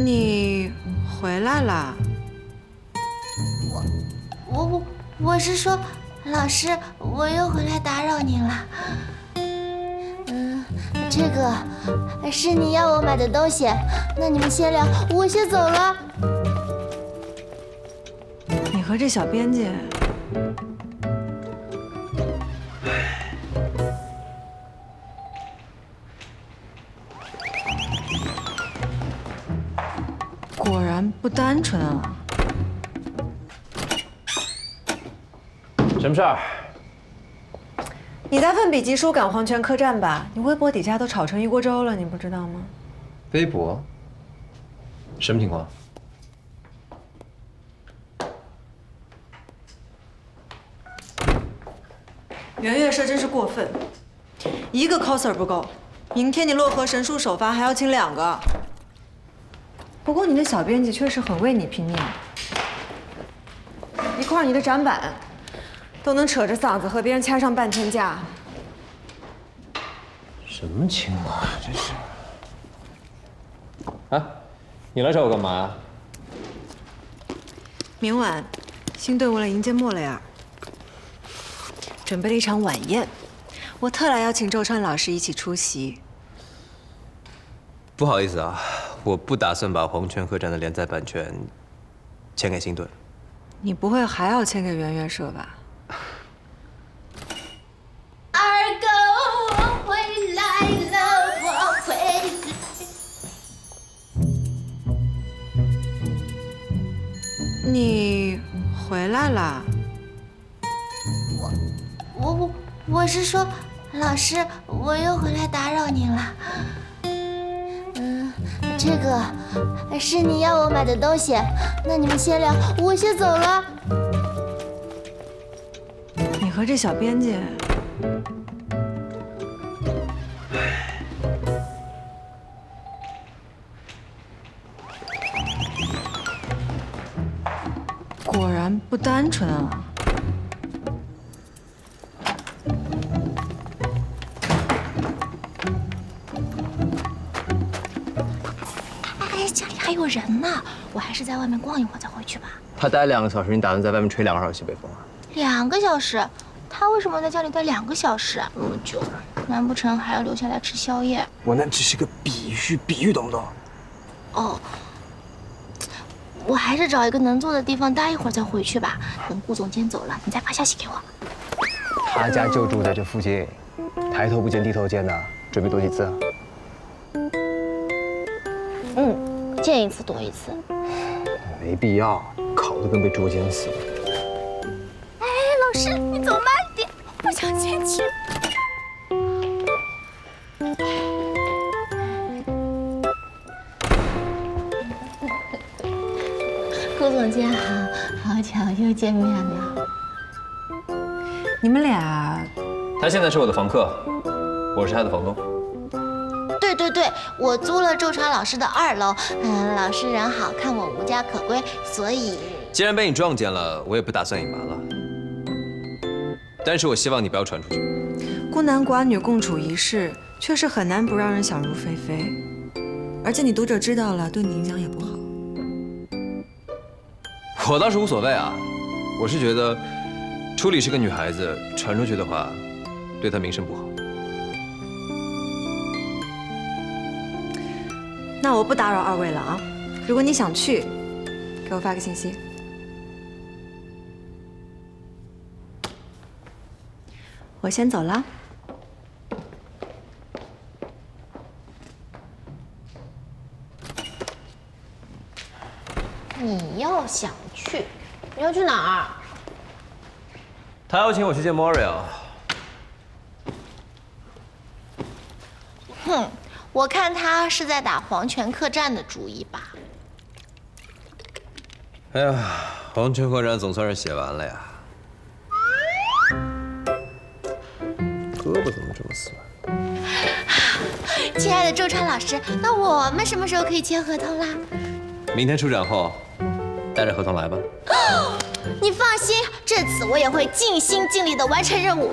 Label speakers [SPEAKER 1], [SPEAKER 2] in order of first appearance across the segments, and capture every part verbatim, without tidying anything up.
[SPEAKER 1] 你回来啦？
[SPEAKER 2] 我我我是说，老师，我又回来打扰您了。嗯，这个是你要我买的东西，那你们先聊，我先走了。
[SPEAKER 1] 你和这小编辑，果然不单纯啊。
[SPEAKER 3] 什么事儿？
[SPEAKER 1] 你在奋笔疾书赶黄泉客栈吧？你微博底下都炒成一锅粥了，你不知道吗？
[SPEAKER 3] 微博？什么情况？
[SPEAKER 1] 圆月社真是过分，一个 coser 不够，明天你洛河神术首发还要请两个。不过你的小编辑确实很为你拼命，一块你的展板。 都能扯着嗓子和别人掐上半天架，
[SPEAKER 3] 什么情况啊？这是？啊，你来找我干嘛呀？
[SPEAKER 1] 明晚，新队伍来迎接莫雷尔，准备了一场晚宴，我特来邀请周川老师一起出席。
[SPEAKER 3] 不好意思啊，我不打算把黄泉客栈的连载版权签给新队。
[SPEAKER 1] 你不会还要签给圆月社吧？
[SPEAKER 2] 二哥，我回来了，我回来。
[SPEAKER 1] 你回来啦？
[SPEAKER 2] 我我我是说，老师，我又回来打扰您了。嗯，这个是你要我买的东西，那你们先聊，我先走了。
[SPEAKER 1] 你和这小编辑。 果然不单纯啊！
[SPEAKER 2] 哎，家里还有人呢，我还是在外面逛一会儿再回去吧。
[SPEAKER 3] 他待两个小时，你打算在外面吹两个小时西北风啊？
[SPEAKER 2] 两个小时？他为什么在家里待两个小时？那么久，难不成还要留下来吃宵夜？
[SPEAKER 3] 我那只是个比喻，比喻懂不懂？
[SPEAKER 2] 哦。 我还是找一个能坐的地方待一会儿再回去吧。等顾总监走了，你再发消息给我。
[SPEAKER 4] 他家就住在这附近，抬头不见低头见的，准备多几次啊？
[SPEAKER 2] 嗯，见一次多一次。
[SPEAKER 4] 没必要，烤得跟被捉奸似的。
[SPEAKER 2] 哎，老师，你走慢点，不想先去。顾总监好，好巧又见面了。
[SPEAKER 1] 你们俩，
[SPEAKER 3] 他现在是我的房客，我是他的房东。
[SPEAKER 2] 对对对，我租了周川老师的二楼。嗯，老师人好，看我无家可归，所以……
[SPEAKER 3] 既然被你撞见了，我也不打算隐瞒了。但是我希望你不要传出去。
[SPEAKER 1] 孤男寡女共处一室，确实很难不让人想入非非。而且你读者知道了，对你影响也不好。
[SPEAKER 3] 我倒是无所谓啊，我是觉得初里是个女孩子，传出去的话，对她名声不好。
[SPEAKER 1] 那我不打扰二位了啊，如果你想去，给我发个信息。我先走了。
[SPEAKER 2] 你要想去，你要去哪儿？
[SPEAKER 3] 他邀请我去见 Morio。
[SPEAKER 2] 哼，我看他是在打黄泉客栈的主意吧。
[SPEAKER 3] 哎呀，黄泉客栈总算是写完了呀。胳膊怎么这么酸？
[SPEAKER 2] 亲爱的周川老师，那我们什么时候可以签合同啦？
[SPEAKER 3] 明天出展后，带着合同来吧。
[SPEAKER 2] 你放心，这次我也会尽心尽力的完成任务。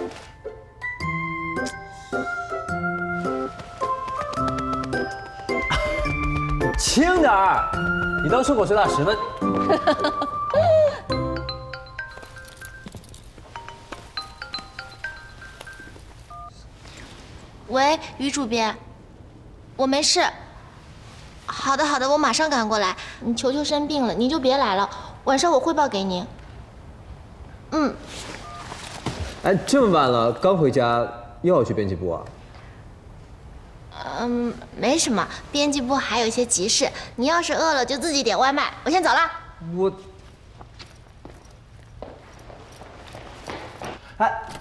[SPEAKER 5] 轻点儿，你当顺口水打十分。
[SPEAKER 2] 喂，于主编，我没事。好的，好的，我马上赶过来。你球球生病了，您就别来了，晚上我汇报给您。嗯。
[SPEAKER 3] 哎，这么晚了，刚回家又要去编辑部啊？
[SPEAKER 2] 嗯，没什么，编辑部还有一些急事。你要是饿了，就自己点外卖。我先走了。
[SPEAKER 3] 我，
[SPEAKER 5] 哎，